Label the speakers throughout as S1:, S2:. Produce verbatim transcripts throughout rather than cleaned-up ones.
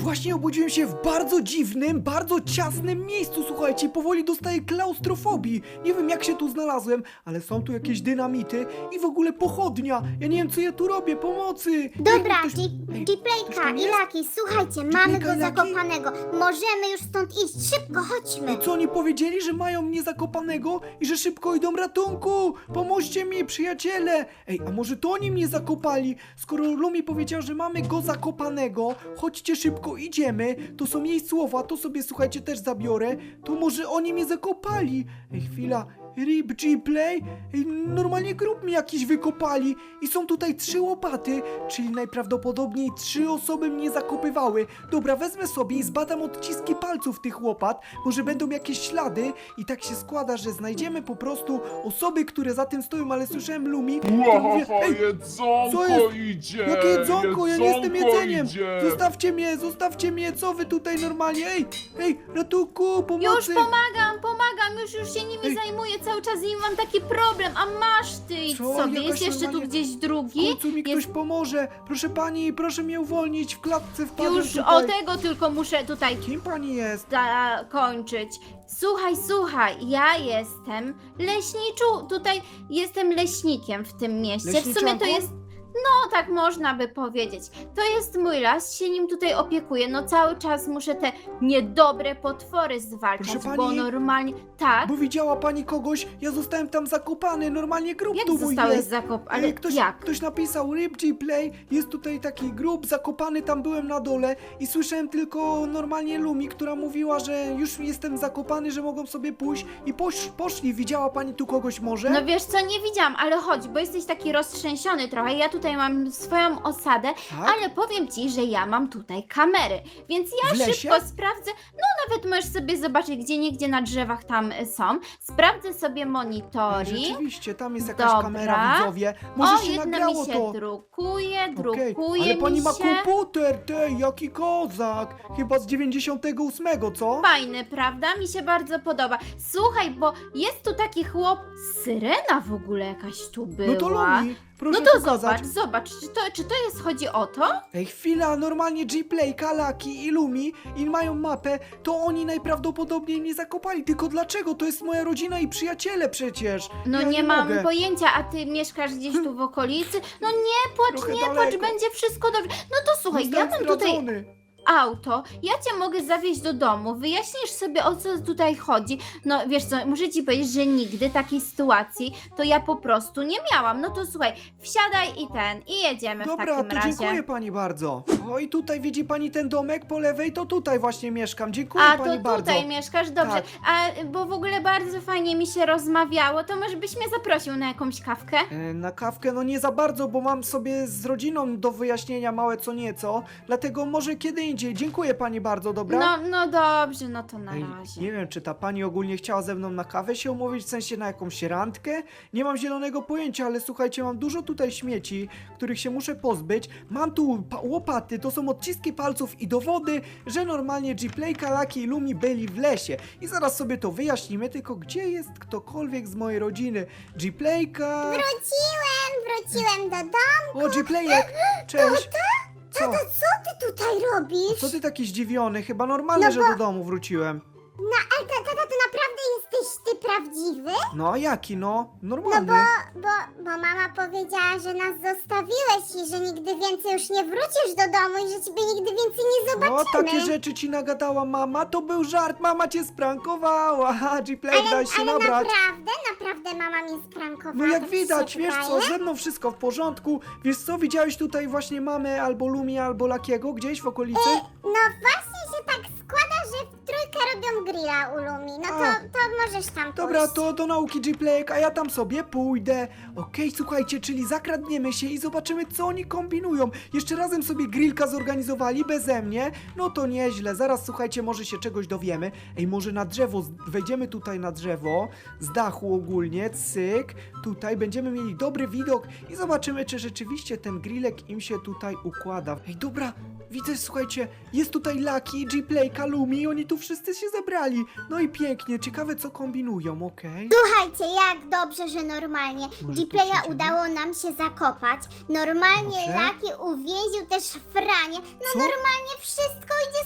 S1: właśnie obudziłem się w bardzo dziwnym, bardzo ciasnym miejscu, słuchajcie, powoli dostaję klaustrofobii. Nie wiem jak się tu znalazłem, ale są tu jakieś dynamity i w ogóle pochodnia. Ja nie wiem co ja tu robię, pomocy!
S2: Dobra,
S1: Ej, ktoś- Ej, ktoś
S2: G-Playka
S1: tam
S2: i
S1: jest?
S2: Laki, słuchajcie, mamy
S1: G-Playka
S2: go
S1: i Lucky?
S2: zakopanego. Możemy już stąd iść, szybko, chodźmy.
S1: I co oni powiedzieli, że mają mnie zakopanego i że szybko idą ratunku? Pomóżcie mi, przyjaciele! Ej, a może to oni mnie zakopali? Skoro Lumi powiedział, że mamy go zakopanego, chodźcie szybko, idziemy. To są jej słowa, to sobie słuchajcie też zabiorę. To może oni mnie zakopali? Ej, chwila. Rip G-Play? Ej, normalnie grób mi jakiś wykopali i są tutaj trzy łopaty, czyli najprawdopodobniej trzy osoby mnie zakopywały. Dobra, wezmę sobie i zbadam odciski palców tych łopat, może będą jakieś ślady i tak się składa, że znajdziemy po prostu osoby, które za tym stoją, ale słyszałem Lumi, to mówię,
S3: Łahaha,
S1: ej,
S3: jedzonko
S1: co jest?
S3: idzie!
S1: jakie jedzonko? Ja nie jestem
S3: jedzonko
S1: jedzeniem!
S3: Idzie.
S1: Zostawcie mnie, zostawcie mnie, co wy tutaj normalnie? Ej, ej, ratunku, pomocy!
S4: Już pomagam, pomagam, już, już się nimi
S1: Ej.
S4: zajmuję cały czas i mam taki problem, a masz ty idź
S1: Co?
S4: sobie,
S1: Jakaś
S4: jest jeszcze tu
S1: normalnie-
S4: gdzieś
S1: W
S4: drugi?
S1: końcu mi ktoś
S4: Jest
S1: pomoże! Proszę pani, proszę mnie uwolnić, w klatce wpadłem
S4: już
S1: tutaj.
S4: o tego tylko muszę tutaj
S1: Kim pani jest?
S4: zakończyć. Słuchaj, słuchaj, ja jestem leśniczu, tutaj jestem leśnikiem w tym mieście. W sumie to
S1: Leśniczanką?
S4: jest, no tak można by powiedzieć. To jest mój las, się nim tutaj opiekuję. No cały czas muszę te niedobre potwory zwalczać,
S1: Proszę
S4: bo
S1: pani,
S4: normalnie, tak,
S1: Bo widziała pani kogoś, ja zostałem tam zakopany, normalnie grób
S4: jak
S1: tu mój
S4: zostałeś
S1: jest.
S4: zakop, ale
S1: Ej, ktoś,
S4: jak?
S1: ktoś napisał Rip G-Play, jest tutaj taki grób zakopany, tam byłem na dole i słyszałem tylko normalnie Lumi, która mówiła, że już jestem zakopany, że mogą sobie pójść i posz, poszli. Widziała pani tu kogoś może?
S4: No wiesz co, nie widziałam, ale chodź, bo jesteś taki roztrzęsiony trochę. Ja tutaj mam swoją osadę,
S1: Tak?
S4: ale powiem ci, że ja mam tutaj kamery, więc ja
S1: W lesie?
S4: szybko sprawdzę. No nawet możesz sobie zobaczyć, gdzie niegdzie na drzewach tam y, są. Sprawdzę sobie
S1: Ej,
S4: monitoring.
S1: Rzeczywiście, tam jest jakaś
S4: Dobra.
S1: kamera, widzowie. Może
S4: O,
S1: się
S4: jedna
S1: nagrało
S4: mi się
S1: to.
S4: drukuje,
S1: Okej,
S4: drukuje
S1: ale pani
S4: mi
S1: ma
S4: się.
S1: komputer, tej, jaki kozak. Chyba z dziewięćdziesiątego ósmego, co?
S4: Fajny, prawda? Mi się bardzo podoba. Słuchaj, bo jest tu taki chłop, syrena w ogóle jakaś tu była.
S1: No to Lumi, proszę
S4: No to
S1: pokazać.
S4: zobacz, zobacz, czy to, czy to jest, chodzi o to?
S1: Ej, chwila, normalnie G-Play, Kalaki i Lumi i mają mapę, to oni najprawdopodobniej mnie zakopali. Tylko dlaczego? To jest moja rodzina i przyjaciele przecież.
S4: No
S1: ja
S4: nie, mam
S1: mogę.
S4: pojęcia, a ty mieszkasz gdzieś tu w okolicy? No nie płacz,
S1: Trochę
S4: nie płacz,
S1: daleko.
S4: będzie wszystko dobrze. No to słuchaj, ja
S1: Zostałem
S4: mam tutaj
S1: zdradzony.
S4: auto, ja cię mogę zawieźć do domu, wyjaśnisz sobie o co tutaj chodzi. No wiesz co, muszę ci powiedzieć, że nigdy takiej sytuacji to ja po prostu nie miałam. No to słuchaj, wsiadaj i ten, i jedziemy w
S1: Dobra,
S4: takim
S1: to
S4: razie.
S1: dziękuję pani bardzo. O i tutaj widzi pani ten domek po lewej, to tutaj właśnie mieszkam. Dziękuję
S4: A,
S1: pani
S4: to
S1: bardzo.
S4: tutaj mieszkasz? Dobrze.
S1: Tak.
S4: A, bo w ogóle bardzo fajnie mi się rozmawiało, to może byś mnie zaprosił na jakąś kawkę?
S1: E, Na kawkę no nie za bardzo, bo mam sobie z rodziną do wyjaśnienia małe co nieco, dlatego może kiedy indziej. Dziękuję pani bardzo, dobra?
S4: No, no dobrze, no to na
S1: Ej,
S4: razie.
S1: nie wiem, czy ta pani ogólnie chciała ze mną na kawę się umówić, w sensie na jakąś randkę? Nie mam zielonego pojęcia, ale słuchajcie, mam dużo tutaj śmieci, których się muszę pozbyć. Mam tu pa- łopaty, to są odciski palców i dowody, że normalnie G-Play, Kalaki i Lumi byli w lesie. I zaraz sobie to wyjaśnimy, tylko gdzie jest ktokolwiek z mojej rodziny? G-Playka...
S2: Wróciłem, wróciłem do domu.
S1: O, G-Playek! Cześć! Co?
S2: To co ty tutaj robisz?
S1: Co ty taki zdziwiony? Chyba normalne,
S2: No
S1: że
S2: bo-
S1: do domu wróciłem.
S2: No, ale tata, to naprawdę jesteś ty prawdziwy?
S1: No a jaki no?
S2: No
S1: Normalny.
S2: bo, bo, bo mama powiedziała, że nas zostawiłeś i że nigdy więcej już nie wrócisz do domu i że ciebie nigdy więcej nie zobaczymy.
S1: O, takie rzeczy ci nagadała mama, to był żart, mama cię sprankowała. Haha, G-Play, daj się
S2: Ale
S1: nabrać.
S2: naprawdę, naprawdę mama mnie sprankowała.
S1: No jak
S2: tak ci
S1: widać,
S2: się
S1: wiesz co,
S2: wydaje?
S1: ze mną wszystko w porządku. Wiesz co, widziałeś tutaj właśnie mamę albo Lumi, albo Lakiego gdzieś w okolicy?
S2: No właśnie się tak składa, że w trójkę robią grilla u Lumi. No to,
S1: A.
S2: to możesz tam
S1: Dobra,
S2: pójść.
S1: to do nauki G-Playek, a ja tam sobie pójdę. Okej, słuchajcie, czyli zakradniemy się i zobaczymy, co oni kombinują. Jeszcze razem sobie grillka zorganizowali beze mnie. No to nieźle, zaraz słuchajcie, może się czegoś dowiemy. Ej, może na drzewo, z- wejdziemy tutaj na drzewo, z dachu ogólnie, cyk. Tutaj będziemy mieli dobry widok i zobaczymy, czy rzeczywiście ten grillek im się tutaj układa. Ej, dobra, widzę, słuchajcie, jest tutaj Lucky, G-Playka, Lumi, oni tu wszyscy się zebrali. No i pięknie, ciekawe co kombinują, okej?
S2: Słuchajcie, jak dobrze, że normalnie
S1: Może tu
S2: G-Playa
S1: przejdziemy?
S2: udało nam się zakopać. Normalnie
S1: Dobrze.
S2: Laki uwięził też Franie. No
S1: Co?
S2: normalnie wszystko idzie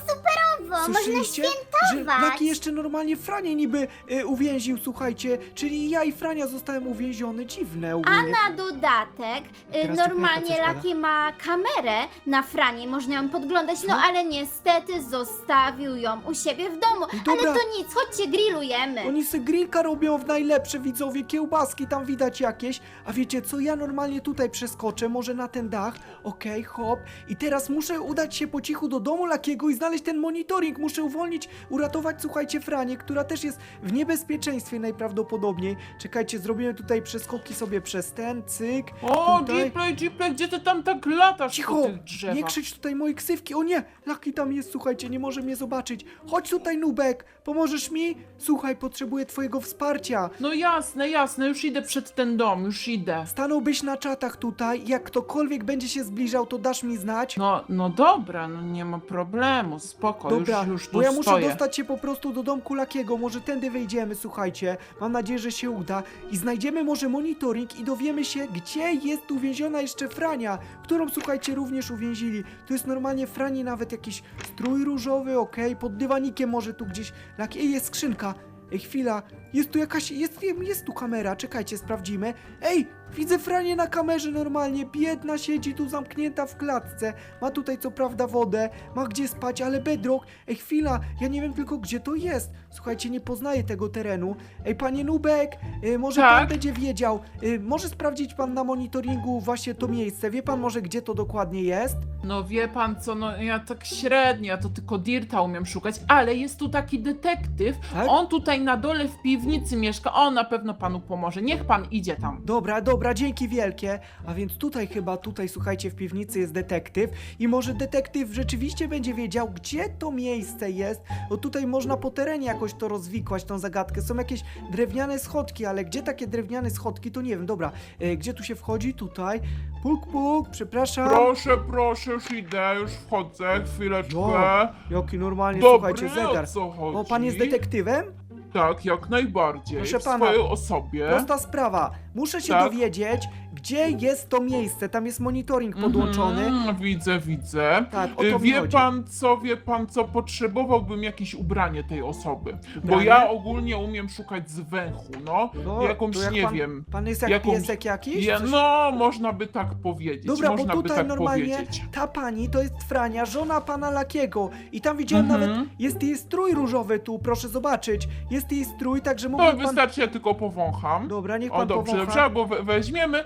S2: można
S1: Słyszeliście?
S2: świętować.
S1: Że Laki jeszcze normalnie Franię niby y, uwięził, słuchajcie, czyli ja i Frania zostałem uwięziony, dziwne
S4: A
S1: ogólnie.
S4: na dodatek y,
S1: Teraz ci
S4: normalnie
S1: Peppa coś
S4: Laki ma kamerę na Franie, można ją podglądać, no
S1: Co?
S4: ale niestety zostawił ją u siebie w domu.
S1: I dobra.
S4: Ale to nic, chodźcie, grillujemy.
S1: Oni se grillka robią w najlepsze, widzowie, kiełbaski tam widać jakieś. A wiecie co, ja normalnie tutaj przeskoczę, może na ten dach. Okej, hop. I teraz muszę udać się po cichu do domu Lakiego i znaleźć ten monitoring. Muszę uwolnić, uratować, słuchajcie, Franię, która też jest w niebezpieczeństwie najprawdopodobniej. Czekajcie, zrobimy tutaj przeskoki sobie przez ten, cyk.
S3: O,
S1: tutaj.
S3: Gplay, Gplay, gdzie ty tam tak latasz
S1: Cicho,
S3: po tych drzewach?
S1: nie krzycz tutaj moje ksywki. O nie, Laki tam jest, słuchajcie, nie może mnie zobaczyć. Chodź tutaj, Nubek, pomożesz mi? Słuchaj, potrzebuję twojego wsparcia.
S3: No jasne, jasne, już idę przed ten dom, już idę.
S1: Stanąłbyś na czatach tutaj, jak ktokolwiek będzie się zbliżał, to dasz mi znać?
S3: No, no dobra, no nie ma problemu, spoko,
S1: Dobra,
S3: już, już tu
S1: bo ja muszę
S3: stoję.
S1: dostać się po prostu do domku Lakiego, może tędy wejdziemy, słuchajcie, mam nadzieję, że się uda i znajdziemy może monitoring i dowiemy się, gdzie jest uwięziona jeszcze Frania, którą, słuchajcie, również uwięzili. To jest normalnie Frani nawet jakiś strój różowy, okej, pod dywanikiem może tu gdzieś Laki, ej, jest skrzynka. Ej, chwila, jest tu jakaś, jest, jest tu kamera, czekajcie, sprawdzimy. Ej, widzę Franię na kamerze normalnie, biedna siedzi tu zamknięta w klatce. Ma tutaj co prawda wodę, ma gdzie spać, ale bedrock. Ej, chwila, ja nie wiem tylko gdzie to jest. Słuchajcie, nie poznaję tego terenu. Ej, panie Nubek, y, może
S3: Tak?
S1: pan będzie wiedział, y, może sprawdzić pan na monitoringu właśnie to miejsce. Wie pan może gdzie to dokładnie jest?
S3: No wie pan co, no ja tak średnio, ja to tylko Dirta umiem szukać, ale jest tu taki detektyw,
S1: Tak?
S3: on tutaj na dole w piwnicy mieszka, on na pewno panu pomoże, niech pan idzie tam.
S1: Dobra, dobra, dzięki wielkie. A więc tutaj chyba, tutaj słuchajcie, w piwnicy jest detektyw i może detektyw rzeczywiście będzie wiedział, gdzie to miejsce jest, bo tutaj można po terenie jakoś to rozwikłać, tą zagadkę. Są jakieś drewniane schodki, ale gdzie takie drewniane schodki, to nie wiem. Dobra, e, gdzie tu się wchodzi? Tutaj. Puk, puk, przepraszam.
S5: Proszę, proszę, już idę, już wchodzę, chwileczkę.
S1: Jo, jaki normalnie,
S5: Dobry,
S1: słuchajcie, zegar.
S5: o co chodzi?
S1: O, pan jest detektywem?
S5: Tak, jak najbardziej,
S1: Proszę
S5: w
S1: pana,
S5: swojej osobie.
S1: Prosta sprawa. Muszę się
S5: Tak?
S1: dowiedzieć, gdzie jest to miejsce. Tam jest monitoring podłączony.
S5: Mhm, widzę, widzę.
S1: Tak, o to
S5: Y,
S1: mi
S5: Wie
S1: chodzi.
S5: pan co, wie pan co, potrzebowałbym jakieś ubranie tej osoby. Bo
S1: Ubranie?
S5: ja ogólnie umiem szukać z węchu, no.
S1: No,
S5: jakąś,
S1: to jak
S5: nie
S1: pan,
S5: wiem.
S1: Pan jest jak
S5: jakąś-
S1: piesek jakiś?
S5: Ja,
S1: Coś-
S5: no, można by tak powiedzieć,
S1: Dobra, bo
S5: można by
S1: tutaj
S5: tak
S1: normalnie
S5: powiedzieć.
S1: ta pani to jest Frania, żona pana Lakiego. I tam widziałem
S5: Mhm.
S1: nawet, jest jej strój różowy tu, proszę zobaczyć. Jest jej strój, także
S5: To
S1: mógłby pan...
S5: wystarczy, ja tylko powącham.
S1: Dobra, niech
S5: O,
S1: pan
S5: dobrze,
S1: powącha.
S5: dobrze, albo we, weźmiemy.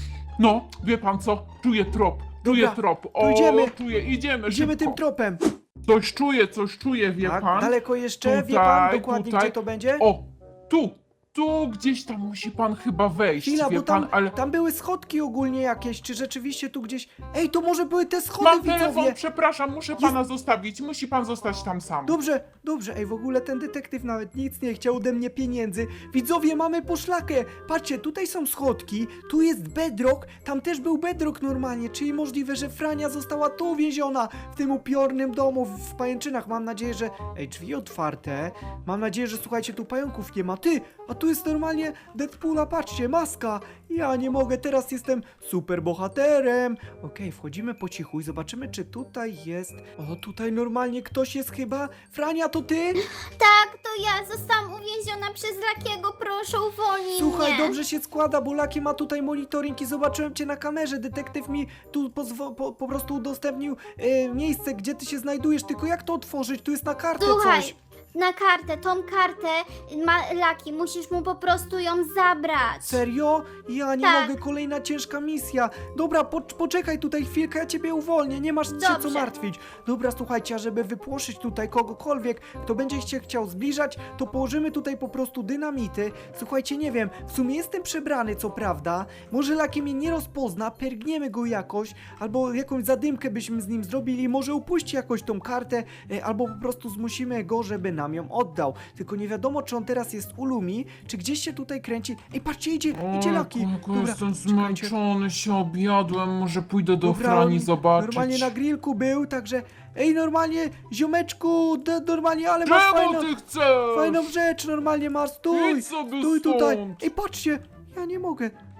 S5: No, wie pan co? Czuję trop, czuję
S1: Dobra,
S5: trop.
S1: to
S5: O,
S1: idziemy.
S5: czuję, idziemy,
S1: Idziemy
S5: szybko.
S1: tym tropem.
S5: Coś czuję, coś czuję, wie
S1: Tak,
S5: pan?
S1: daleko jeszcze, wie pan
S5: Tutaj,
S1: dokładnie,
S5: tutaj.
S1: gdzie to będzie?
S5: O, tu, tu gdzieś tam musi pan chyba wejść,
S1: Chwila,
S5: wie
S1: bo tam,
S5: pan, ale...
S1: tam były schodki ogólnie jakieś, czy rzeczywiście tu gdzieś... Ej, to może były te schody,
S5: Mam telefon,
S1: widzowie!
S5: przepraszam, muszę pana zostawić, musi pan zostać tam sam.
S1: Dobrze, dobrze, ej, w ogóle ten detektyw nawet nic nie chciał ode mnie pieniędzy. Widzowie, mamy poszlakę. Patrzcie, tutaj są schodki, tu jest bedrock, tam też był bedrock normalnie, czyli możliwe, że Frania została tu uwięziona, w tym upiornym domu, w, w pajęczynach. Mam nadzieję, że... Ej, drzwi otwarte. Mam nadzieję, że słuchajcie, tu pająków nie ma. Ty, a tu jest normalnie Deadpoola, patrzcie, maska. Ja nie mogę, teraz jestem super bohaterem. Okej, wchodzimy po cichu i zobaczymy, czy tutaj jest... O, tutaj normalnie ktoś jest chyba. Frania, to ty?
S2: Tak, to ja zostałam uwięziona przez Lakiego, proszę uwolnij
S1: Słuchaj,
S2: mnie.
S1: dobrze się składa, bo Laki ma tutaj monitoring i zobaczyłem cię na kamerze. Detektyw mi tu pozwo- po, po prostu udostępnił e, miejsce, gdzie ty się znajdujesz. Tylko jak to otworzyć? Tu jest na kartę
S2: Słuchaj,
S1: coś.
S2: na kartę, tą kartę ma Laki, musisz mu po prostu ją zabrać.
S1: Serio? Ja nie
S2: Tak.
S1: mogę, kolejna ciężka misja. Dobra, po, poczekaj tutaj chwilkę, ja ciebie uwolnię, nie masz się co
S2: Dobrze.
S1: martwić. Dobra, słuchajcie, a żeby wypłoszyć tutaj kogokolwiek, kto będzie się chciał zbliżać, to położymy tutaj po prostu dynamity. Słuchajcie, nie wiem, w sumie jestem przebrany, co prawda. Może Laki mnie nie rozpozna, pergniemy go jakoś, albo jakąś zadymkę byśmy z nim zrobili, może upuści jakoś tą kartę, e, albo po prostu zmusimy go, żeby nam ją oddał. Tylko nie wiadomo, czy on teraz jest u Lumi, czy gdzieś się tutaj kręci. Ej, patrzcie, idzie, idzie Laki.
S5: Ojku, jestem
S1: czekajcie.
S5: zmęczony, się objadłem, może pójdę do
S1: Dobra,
S5: Frani
S1: on
S5: zobaczyć.
S1: Normalnie na grillku był, także... Ej, normalnie, ziomeczku, d- normalnie, ale masz
S5: Czemu
S1: fajną,
S5: ty chcesz?
S1: fajną rzecz, normalnie masz, stój,
S5: Idź sobie
S1: stój tutaj.
S5: stąd.
S1: Ej, patrzcie, ja nie mogę,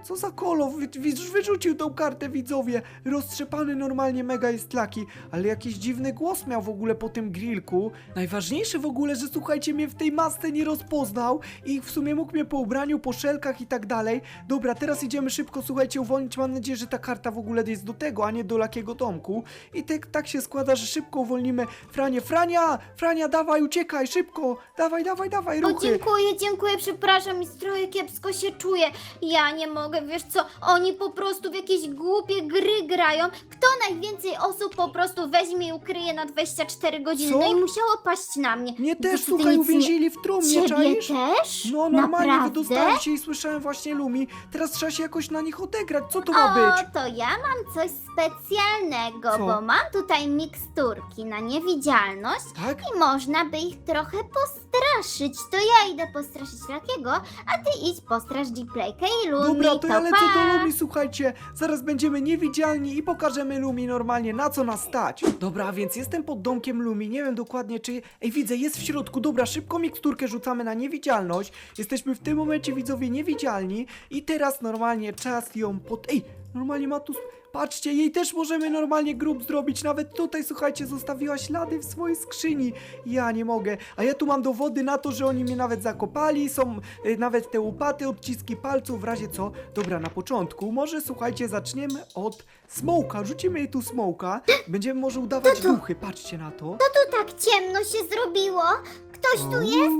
S1: Co za kolo, wy, wy, wyrzucił tą kartę, widzowie. Roztrzepany normalnie mega jest Lucky, ale jakiś dziwny głos miał w ogóle po tym grillku. Najważniejsze w ogóle, że słuchajcie, mnie w tej masce nie rozpoznał i w sumie mógł mnie po ubraniu, po szelkach i tak dalej. Dobra, teraz idziemy szybko, słuchajcie, uwolnić. Mam nadzieję, że ta karta w ogóle jest do tego, a nie do Luckiego domku. I tak, tak się składa, że szybko uwolnimy Franię. Frania! Frania, dawaj, uciekaj, szybko! Dawaj, dawaj, dawaj,
S4: O,
S1: ruchy!
S4: dziękuję, dziękuję, przepraszam, mi trochę kiepsko się czuję. Ja nie mogę, wiesz co, oni po prostu w jakieś głupie gry grają. Kto najwięcej osób po prostu weźmie i ukryje na dwadzieścia cztery godziny?
S1: Co?
S4: No i musiało paść na mnie.
S1: Mnie
S4: Po
S1: też,
S4: prostu ty
S1: słuchaj,
S4: nic nie-
S1: uwięzili w trumnie,
S4: Ciebie
S1: czaisz?
S4: też?
S1: No normalnie
S4: Naprawdę?
S1: wydostałem się i słyszałem właśnie Lumi. Teraz trzeba się jakoś na nich odegrać. Co to ma być?
S4: O, to ja mam coś specjalnego,
S1: Co?
S4: bo mam tutaj miksturki na niewidzialność
S1: Tak?
S4: i można by ich trochę postraszyć. To ja idę postraszyć Luckiego, a ty idź postrasz G-Playkę i Lumi.
S1: Dobra, to ja lecę
S4: pa.
S1: do Lumi, słuchajcie. Zaraz będziemy niewidzialni i pokażemy Lumi normalnie, na co nas stać. Dobra, a więc jestem pod domkiem Lumi. Nie wiem dokładnie, czy... Ej, widzę, jest w środku. Dobra, szybko miksturkę rzucamy na niewidzialność. Jesteśmy w tym momencie, widzowie, niewidzialni. I teraz normalnie czas ją pod... Ej, normalnie ma tu... Patrzcie, jej też możemy normalnie grób zrobić. Nawet tutaj, słuchajcie, zostawiła ślady w swojej skrzyni. Ja nie mogę. A ja tu mam dowody na to, że oni mnie nawet zakopali. Są y, nawet te łupaty, odciski palców, w razie co. Dobra, na początku może, słuchajcie, zaczniemy od smoka. Rzucimy jej tu smoka. Będziemy może udawać
S2: To to.
S1: duchy. Patrzcie na to.
S2: Tu tak ciemno się zrobiło. Ktoś tu jest?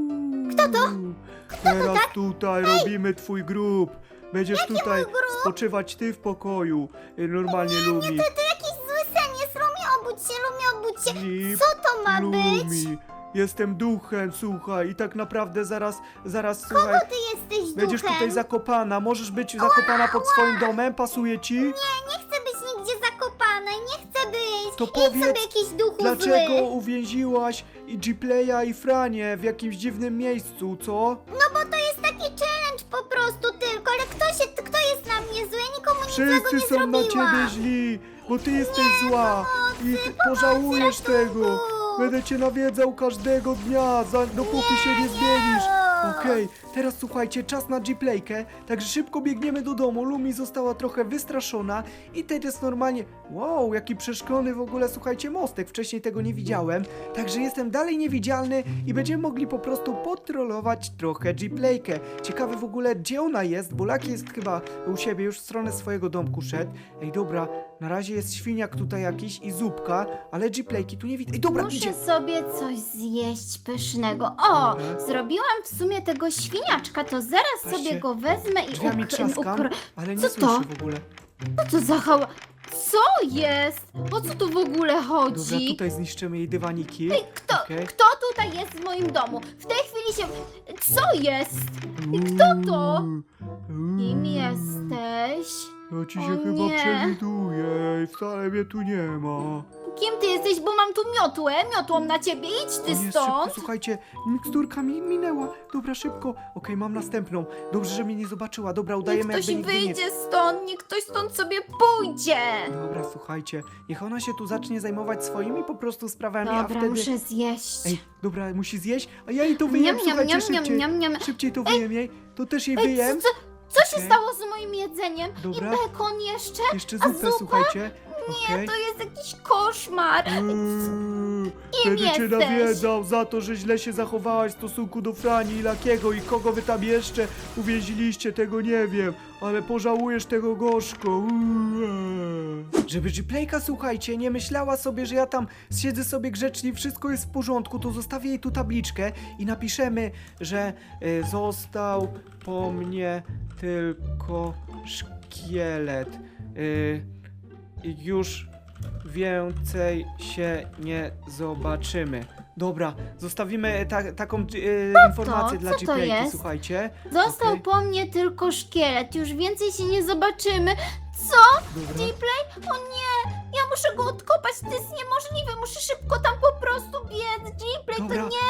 S1: Kto to? Teraz tutaj robimy twój grób. Będziesz tutaj spoczywać ty w pokoju. Y, Normalnie Lumi.
S2: To jakiś zły sen jest. Lumi, obudź się, Lumi, obudź się.
S1: Flip,
S2: Co to ma być?
S1: Lumi. Jestem duchem, słuchaj. I tak naprawdę zaraz, zaraz, słuchaj.
S2: Ty jesteś
S1: Będziesz
S2: duchem.
S1: tutaj zakopana. Możesz być zakopana pod swoim domem. Pasuje ci?
S2: Nie, nie chcę być nigdzie zakopana. Nie chcę być.
S1: To
S2: Idź
S1: powiedz,
S2: sobie jakiś duchu
S1: Dlaczego
S2: zły.
S1: uwięziłaś i G-Playa i Franię w jakimś dziwnym miejscu, co?
S2: No bo to jest taki challenge po prostu tylko. Ale kto się, kto jest na mnie zły? Ja nikomu nic złego
S1: Wszyscy
S2: nie
S1: są na
S2: zrobiłam.
S1: ciebie źli, bo ty jesteś zła i ty pożałujesz tego. Będę cię nawiedzał każdego dnia, za, dopóki się nie zmienisz. Okej, teraz słuchajcie, czas na G-Playkę, także szybko biegniemy do domu. Lumi została trochę wystraszona i teraz normalnie... Wow, jaki przeszklony w ogóle, słuchajcie, mostek. Wcześniej tego nie widziałem, także jestem dalej niewidzialny i będziemy mogli po prostu potrolować trochę G-Playkę. Ciekawe w ogóle, gdzie ona jest, bo Lucky jest chyba u siebie, już w stronę swojego domku szedł. Ej, dobra, na razie jest świniak tutaj jakiś i zupka, ale G-Playki tu nie widzę. Ej, dobra, idzie.
S4: Muszę sobie coś zjeść pysznego. O,
S1: Dobra.
S4: zrobiłam w sumie tego świniaczka, to zaraz
S1: Patrzcie,
S4: sobie go wezmę i
S1: Drzwiami
S4: ukr-
S1: trzaskam,
S4: ukr-
S1: ale nie
S4: Co
S1: słyszę
S4: to?
S1: w ogóle.
S4: Co to za hała? Co jest? O co tu w ogóle
S1: Dobra,
S4: chodzi?
S1: tutaj zniszczymy jej dywaniki.
S4: Ej, kto,
S1: Okej.
S4: kto tutaj jest w moim domu? W tej chwili się... Co jest? Kto to? Kim jesteś?
S1: Ja ci
S4: O
S1: się chyba
S4: nie.
S1: przewiduję i wcale mnie tu nie ma.
S4: Kim ty jesteś? Bo mam tu miotłę, miotłą na ciebie, idź ty
S1: O nie, szybko,
S4: stąd!
S1: słuchajcie, miksturka mi minęła. Dobra, szybko. Okej, mam następną. Dobrze, że mnie nie zobaczyła. Dobra,
S4: Niech
S1: udajemy
S4: ktoś
S1: jakby nigdy
S4: wyjdzie stąd, niech ktoś stąd sobie pójdzie!
S1: nie... Dobra, słuchajcie, niech ona się tu zacznie zajmować swoimi po prostu sprawami, a
S4: Dobra,
S1: wtedy...
S4: muszę zjeść.
S1: Ej, dobra, musi zjeść, a ja jej to wyjem,
S4: Niam, niam,
S1: słuchajcie,
S4: niam, niam,
S1: szybciej.
S4: niam, niam.
S1: Szybciej to wyjem jej, to też jej
S4: Ej,
S1: wyjem.
S4: co, co, co się
S1: Okej.
S4: stało z moim jedzeniem?
S1: Dobra.
S4: I bekon jeszcze?
S1: Jeszcze
S4: a
S1: zupę,
S4: zupa?
S1: słuchajcie.
S4: Nie,
S1: Okej.
S4: to jest jakiś koszmar!
S1: Uuu,
S4: Kim
S1: Będę cię
S4: jesteś?
S1: nawiedzał za to, że źle się zachowałaś w stosunku do Frani i Lakiego i kogo wy tam jeszcze uwięziliście, tego nie wiem, ale pożałujesz tego gorzko. Uuu. Żeby G-Playka, słuchajcie, nie myślała sobie, że ja tam siedzę sobie grzecznie, wszystko jest w porządku, to zostawię jej tu tabliczkę i napiszemy, że y, został po mnie tylko szkielet. Y, i już więcej się nie zobaczymy. Dobra, zostawimy ta, taką e, informację dla
S4: Co to
S1: G-Playki,
S4: jest?
S1: słuchajcie.
S4: Został
S1: Okej.
S4: po mnie tylko szkielet, już więcej się nie zobaczymy. Co?
S1: Dobra.
S4: G-Play? O nie! Ja muszę go odkopać, to jest niemożliwe, muszę szybko tam po prostu biec. G-Play,
S1: Dobra,
S4: to nie!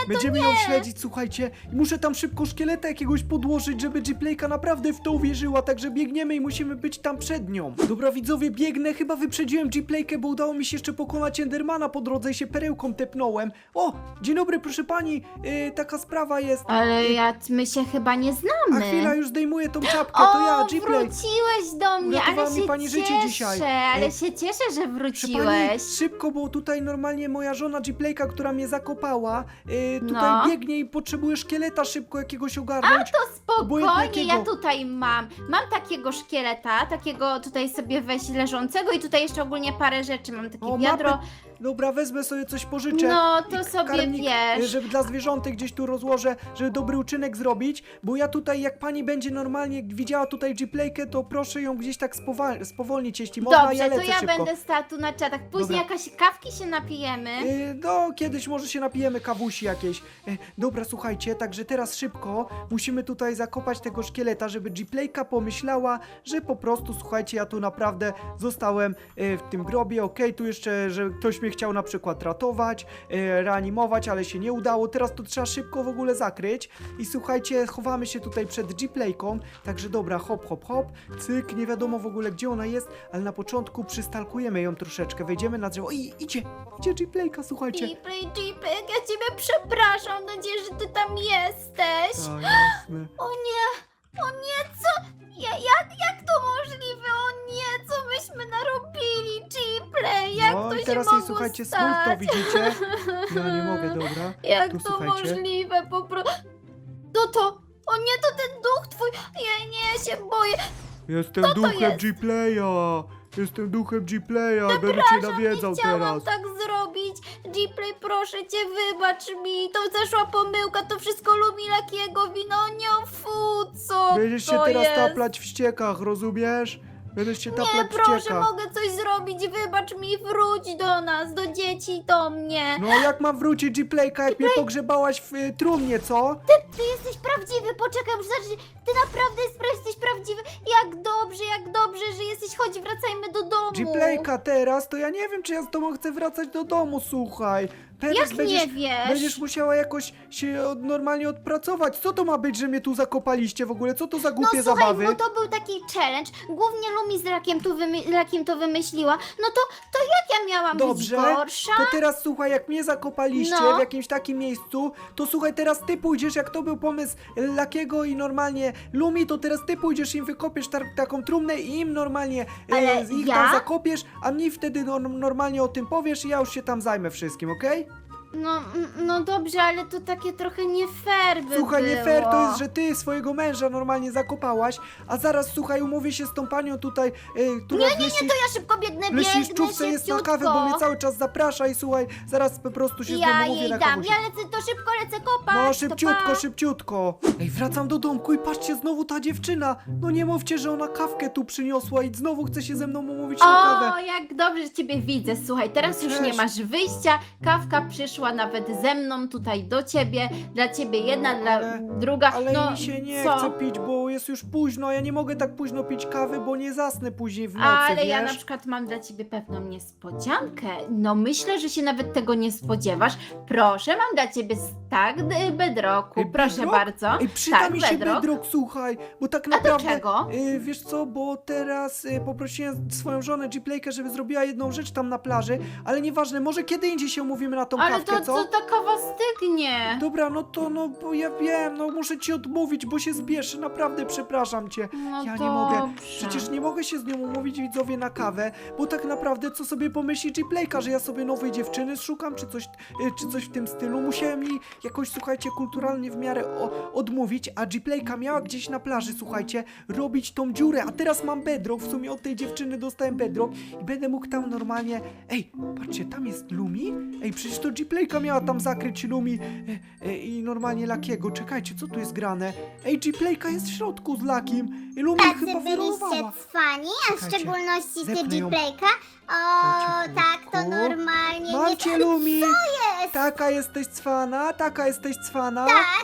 S1: Będziemy ją śledzić, słuchajcie. I muszę tam szybko szkieleta jakiegoś podłożyć, żeby G-Playka naprawdę w to uwierzyła, także biegniemy i musimy być tam przed nią. Dobra, widzowie, biegnę, chyba wyprzedziłem G-Playkę, bo udało mi się jeszcze pokonać Endermana po drodze i się perełką tepnąłem. O, dzień dobry, proszę pani, yy, taka sprawa jest.
S4: Ale ja, my się chyba nie
S1: A
S4: znamy.
S1: chwila, już zdejmuję tą czapkę,
S4: O,
S1: to ja, G-Play.
S4: wróciłeś do mnie,
S1: Uratowała
S4: ale
S1: mi
S4: się
S1: pani
S4: cieszę,
S1: życie dzisiaj.
S4: ale
S1: Ej,
S4: się cieszę, że
S1: Proszę pani,
S4: wróciłeś.
S1: szybko, bo tutaj normalnie moja żona G-Playka, która mnie zakopała, yy, tutaj
S4: No.
S1: biegnie i potrzebuje szkieleta szybko jakiegoś ogarnąć.
S4: To spokojnie,
S1: Obojętnie
S4: ja
S1: jakiego.
S4: tutaj mam. Mam takiego szkieleta, takiego tutaj sobie weź leżącego i tutaj jeszcze ogólnie parę rzeczy. Mam takie
S1: O,
S4: wiadro.
S1: mapy. Dobra, wezmę sobie coś, pożyczę.
S4: No, to
S1: I
S4: sobie
S1: karmnik,
S4: wiesz.
S1: żeby dla zwierzątek gdzieś tu rozłożę, żeby dobry uczynek zrobić, bo ja tutaj, jak pani będzie normalnie widziała tutaj G-Playkę, to proszę ją gdzieś tak spowal- spowolnić, jeśli można,
S4: Dobrze,
S1: ja
S4: to
S1: lecę
S4: ja
S1: szybko.
S4: będę stała tu na czatach. Później
S1: Dobra.
S4: jakaś kawki się napijemy.
S1: Yy, no, kiedyś może się napijemy kawusi jakieś. Yy, dobra, słuchajcie, także teraz szybko musimy tutaj zakopać tego szkieleta, żeby G-Playka pomyślała, że po prostu, słuchajcie, ja tu naprawdę zostałem yy, w tym grobie, okej, tu jeszcze, że ktoś mnie chciał na przykład ratować, yy, reanimować, ale się nie udało, teraz to trzeba szybko w ogóle zakryć i słuchajcie, chowamy się tutaj przed G-Playką, także dobra, hop, hop, hop, cyk, nie wiadomo w ogóle gdzie ona jest, ale na początku przystalkujemy ją troszeczkę, wejdziemy na drzewo, i idzie, idzie G-Playka, słuchajcie.
S4: Jeepy, Jeepy, ja ciebie przepraszam. Mam nadzieję, że ty tam jesteś.
S1: A, jasne.
S4: O nie, o nie, co? Ja, jak, jak to możliwe? O nie, co myśmy narobili? Jeepley, jak
S1: No
S4: to
S1: i
S4: się
S1: teraz
S4: mogło
S1: jej, słuchajcie,
S4: stać?
S1: smutno, widzicie? Ja nie mogę, dobra.
S4: Jak
S1: Tu
S4: to
S1: słuchajcie.
S4: możliwe? Po prostu... No to... O nie, to ten duch twój! Ja nie, się boję.
S1: Jestem
S4: to
S1: duchem
S4: jest?
S1: G-Playa! Jestem duchem G-Playa, będę cię nawiedzał
S4: Chciałam
S1: teraz.
S4: tak zrobić. Jeepley, proszę cię, wybacz mi. To zaszła pomyłka, to wszystko Lumi Lakiego wino. Nie, fu, co
S1: Będziesz się
S4: to
S1: teraz
S4: jest?
S1: taplać w ściekach, rozumiesz? Będziesz się
S4: Nie,
S1: taplać w
S4: proszę,
S1: ściekach.
S4: mogę coś zrobić. Wybacz mi, wróć do nas, do dzieci, do mnie.
S1: No jak mam wrócić G-Playka, jak mnie pogrzebałaś w y, trumnie, co?
S4: Ty jesteś prawdziwy, poczekaj, muszę zobaczyć. Ty naprawdę jest, jesteś prawdziwy. Jak dobrze, jak dobrze, że jesteś. Chodź, wracajmy do domu.
S1: G-Playka teraz, to ja nie wiem, czy ja z tobą chcę wracać do domu, słuchaj. Teraz
S4: Jak
S1: będziesz,
S4: nie wiesz?
S1: Będziesz musiała jakoś się od, normalnie odpracować. Co to ma być, że mnie tu zakopaliście w ogóle? Co to za
S4: No
S1: głupie
S4: słuchaj,
S1: zabawy?
S4: bo to był taki challenge. Głównie Lumi z Rakiem, tu wymy- Rakiem to wymyśliła. No to, to jak ja miałam
S1: Dobrze,
S4: być gorsza?
S1: to teraz słuchaj, jak mnie zakopaliście
S4: No.
S1: w jakimś takim miejscu, to słuchaj, teraz ty pójdziesz, jak to był pomysł Lakiego i normalnie Lumi, to teraz ty pójdziesz im wykopiesz tar- taką trumnę i im normalnie e,
S4: Ale
S1: ich
S4: ja?
S1: tam zakopiesz, a mnie wtedy no, normalnie o tym powiesz i ja już się tam zajmę wszystkim, okej?
S4: No, mm, no dobrze, ale to takie trochę nie fair by
S1: Słuchaj, nie
S4: było.
S1: fair to jest, że ty swojego męża normalnie zakopałaś, a zaraz słuchaj, umówię się z tą panią tutaj, e, która
S4: Nie, nie, nie, to ja szybko biegnę,
S1: w leśniczówce
S4: biegnę
S1: jest na
S4: szybciutko.
S1: kawę, bo mnie cały czas zaprasza i słuchaj, zaraz po prostu się z nią
S4: Ja
S1: umówię
S4: jej
S1: na
S4: dam,
S1: kawusie.
S4: ja lecę, to szybko lecę kopać.
S1: No
S4: to
S1: szybciutko,
S4: pa.
S1: szybciutko. Ej, wracam do domku i patrzcie, znowu ta dziewczyna. No nie mówcie, że ona kawkę tu przyniosła i znowu chce się ze mną umówić na kawę.
S4: O, jak dobrze, że ciebie widzę. Słuchaj, teraz
S1: No
S4: już nie
S1: cześć.
S4: masz wyjścia. Kawka przyszła nawet ze mną tutaj do ciebie. Dla ciebie jedna,
S1: No,
S4: dla
S1: ale-
S4: druga.
S1: Ale
S4: no,
S1: mi się nie
S4: co?
S1: chce pić, bo jest już późno, a ja nie mogę tak późno pić kawy, bo nie zasnę później w nocy,
S4: Ale
S1: wiesz?
S4: ja na przykład mam dla ciebie pewną niespodziankę. No myślę, że się nawet tego nie spodziewasz. Proszę, mam dla ciebie stack d- bedrocku.
S1: Ej,
S4: Proszę
S1: bedrock?
S4: bardzo.
S1: Ej, przyda
S4: tak,
S1: mi się
S4: bedrock.
S1: bedrock, słuchaj, bo tak
S4: A do
S1: naprawdę...
S4: czego?
S1: Y, wiesz co, bo teraz y, poprosiłem swoją żonę G-Playkę, żeby zrobiła jedną rzecz tam na plaży, ale nieważne, może kiedy indziej się umówimy na tą
S4: Ale
S1: kawkę,
S4: to,
S1: co?
S4: to ta kawa stygnie.
S1: Dobra, no to no, bo ja wiem, no muszę ci odmówić, bo się zbieszę, naprawdę przepraszam cię.
S4: No
S1: Ja nie mogę,
S4: dobrze.
S1: przecież nie mogę się z nią umówić, widzowie, na kawę, bo tak naprawdę co sobie pomyśli G-Playka, że ja sobie nowej dziewczyny szukam, czy coś, y, czy coś w tym stylu. Musiałem jej jakoś, słuchajcie, kulturalnie w miarę o, odmówić, a G-Playka miała gdzieś na plaży, słuchajcie, robić tą dziurę, a teraz mam bedrock, w sumie od tej dziewczyny dostałem bedrock i będę mógł tam normalnie... Ej, patrzcie, tam jest Lumi? Ej, przecież to G-Playka miała tam zakryć Lumi e, e, i normalnie Lakiego. Czekajcie, co tu jest grane? Ej, G-Playka jest w środku z Lakim i Lumi
S2: Tacy
S1: chyba
S2: byliście
S1: wyrolowała.
S2: cwani, a w
S1: Czekajcie,
S2: szczególności ty
S1: zepnę ją.
S2: G-Playka. O,
S1: Dajcie
S2: tak, to
S1: chwilkę.
S2: normalnie
S1: Mam
S2: nie...
S1: cię, Lumi!
S2: jest?
S1: Taka jesteś cwana, taka jesteś cwana.
S2: Tak, kazał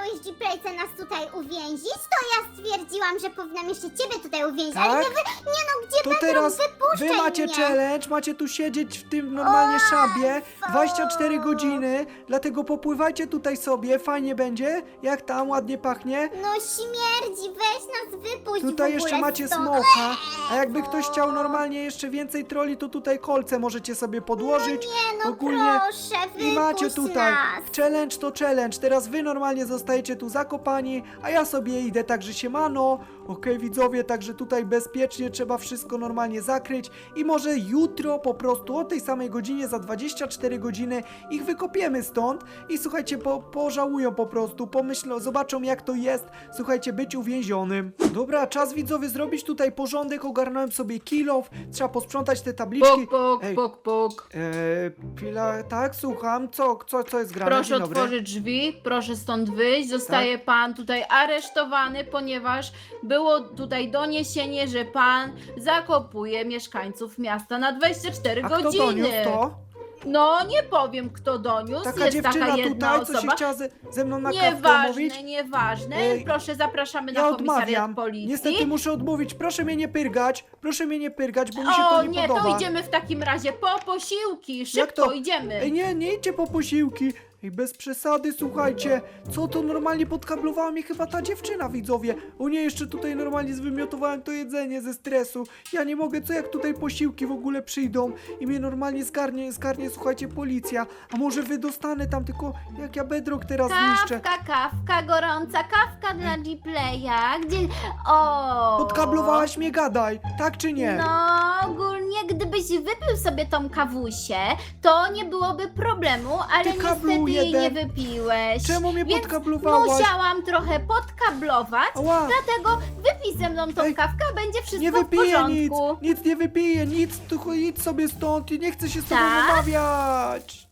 S2: chciałeś G-Playce nas tutaj uwięzić, to ja stwierdziłam, że powinnam jeszcze ciebie tutaj uwięzić, ale
S1: Tak?
S2: nie, wy, nie no, gdzie
S1: To
S2: Bedrock,
S1: teraz
S2: wypuszczaj
S1: wy macie
S2: mnie.
S1: challenge, macie tu siedzieć w tym normalnie szabie dwadzieścia cztery godziny, dlatego popływajcie tutaj sobie, fajnie będzie, jak tam ładnie pachnie.
S2: No śmierdzi, weź nas wypuść w
S1: Tutaj
S2: ogóle
S1: jeszcze macie
S2: stąd.
S1: smoka, a jakby ktoś chciał normalnie jeszcze więcej troli, to tutaj kolce możecie sobie podłożyć.
S2: Nie no
S1: Ogólnie
S2: proszę, wypuść
S1: i macie tutaj
S2: nas.
S1: challenge to challenge. Teraz wy normalnie zostajecie tu zakopani, a ja sobie idę, także siemano. Okej, widzowie, także tutaj bezpiecznie trzeba wszystko normalnie zakryć i może jutro po prostu o tej samej godzinie, za dwadzieścia cztery godziny ich wykopiemy stąd i słuchajcie, po, pożałują po prostu, pomyślą, zobaczą jak to jest, słuchajcie, być uwięzionym. Dobra, czas widzowie zrobić tutaj porządek, ogarnąłem sobie kill off, trzeba posprzątać te tabliczki.
S3: Puk, puk,
S1: Ej.
S3: puk, puk.
S1: Eee, pila, tak, słucham, co, co, co jest grane?
S3: Proszę
S1: Dzień dobry.
S3: otworzyć drzwi, proszę stąd wyjść. Zostaje
S1: Tak.
S3: pan tutaj aresztowany, ponieważ było tutaj doniesienie, że pan zakopuje mieszkańców miasta na dwadzieścia cztery
S1: A kto
S3: godziny.
S1: doniósł to?
S3: No, nie powiem kto doniósł.
S1: Taka
S3: jest
S1: dziewczyna
S3: taka jedna
S1: tutaj, co się
S3: osoba.
S1: chciała ze, ze mną na kawkę umówić?
S3: Nieważne, nieważne.
S1: Ej,
S3: Proszę, zapraszamy
S1: Ja
S3: na komisariat
S1: odmawiam.
S3: policji.
S1: Niestety muszę odmówić. Proszę mnie nie pyrgać. Proszę mnie nie pyrgać, bo mi się
S3: O
S1: to nie,
S3: nie,
S1: podoba.
S3: to idziemy w takim razie po posiłki. Szybko
S1: to?
S3: idziemy.
S1: Ej, nie, nie idźcie po posiłki. Ej, bez przesady, słuchajcie. Co to normalnie podkablowała mnie chyba ta dziewczyna, widzowie. O nie, jeszcze tutaj normalnie zwymiotowałem to jedzenie ze stresu. Ja nie mogę, co jak tutaj posiłki w ogóle przyjdą i mnie normalnie zgarnie, zgarnie, słuchajcie, policja. A może wy dostanę tam, tylko jak ja Bedrock teraz zniszczę.
S4: Kawka, kawka, gorąca kawka dla G-Playa. Gdzie... O!
S1: Podkablowałaś mnie, gadaj. Tak czy nie?
S4: No, ogólnie gdybyś wypił sobie tą kawusię, to nie byłoby problemu, ale
S1: Ty kablu
S4: niestety jej nie
S1: jeden.
S4: wypiłeś.
S1: Czemu mnie
S4: Więc
S1: podkablowałaś?
S4: musiałam trochę podkablować,
S1: Ała.
S4: dlatego wypij ze mną tą
S1: Ej,
S4: kawkę, a będzie wszystko
S1: Nie
S4: w
S1: wypiję nic,
S4: porządku.
S1: nic nie wypiję, nic, tylko idź sobie stąd i nie chcę się z tobą
S4: Tak?
S1: rozmawiać.